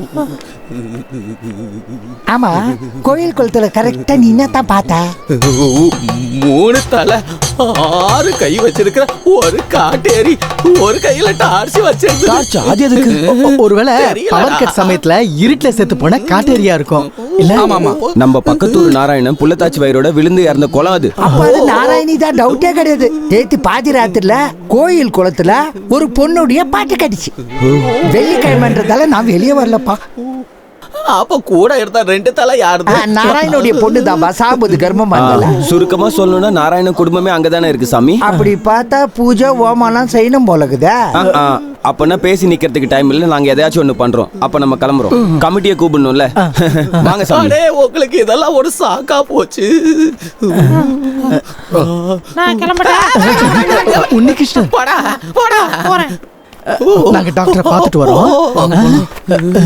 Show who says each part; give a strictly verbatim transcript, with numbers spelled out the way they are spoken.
Speaker 1: ஆமா, கோயில் குளத்துல கரெக்டா நீ என்னத்தான் பார்த்த?
Speaker 2: மூணு தலை, ஆறு கை வச்சிருக்கிற ஒரு காட்டேரி, ஒரு கையில டார்ச் வச்சிருக்கு.
Speaker 3: டார்ச் அது எதுக்கு? ஒருவேளை பவர் கட் சமயத்துல இருட்டுல செத்து போன காட்டேரியா இருக்கும். இல்ல,
Speaker 4: ஆமா ஆமா, நம்ம பக்கத்தூர் நாராயணன் புள்ளத்தாச்சி வயிறோட விழுந்து இறந்த குளம் அது.
Speaker 1: அப்ப அது நாராயணி தான், டவுட்டே கிடையாது. நேத்து பாதி ராத்திரில கோயில் குளத்துல ஒரு பொண்ணுடைய பாட்டு கடிச்சு. வெள்ளிக்கிழமைன்றதால நான் வெளியே வரலப்பா.
Speaker 2: அப்ப கூட இருந்தா ரெண்டு தலை யாருது?
Speaker 1: நாராயணுடைய பொண்ணு தான் சாபது கர்மம் பண்ணல.
Speaker 4: சுருக்கமா சொல்லணும்னா நாராயணன் குடும்பமே அங்கதானே இருக்கு சாமி.
Speaker 1: அப்படி பார்த்தா பூஜை ஓமாலாம் செய்யணும் போலக்குதா.
Speaker 4: அப்பனா பேசி நிக்கிறதுக்கு டைம் இல்ல, நாங்க எதையாச்சும் ஒண்ணு பண்றோம். அப்ப நம்ம கிளம்புறோம். கமிட்டியை கூப்பிடணும்ல. வாங்க சாமி.
Speaker 2: உங்களுக்கு இதெல்லாம் ஒரு சாக்கா போச்சு.
Speaker 5: நான் கிளம்புறேன்.
Speaker 3: உன்னிகிருஷ்ணன்
Speaker 5: போடா போடா போறேன்.
Speaker 3: நாங்க டாக்டரை பார்த்துட்டு வரோம்.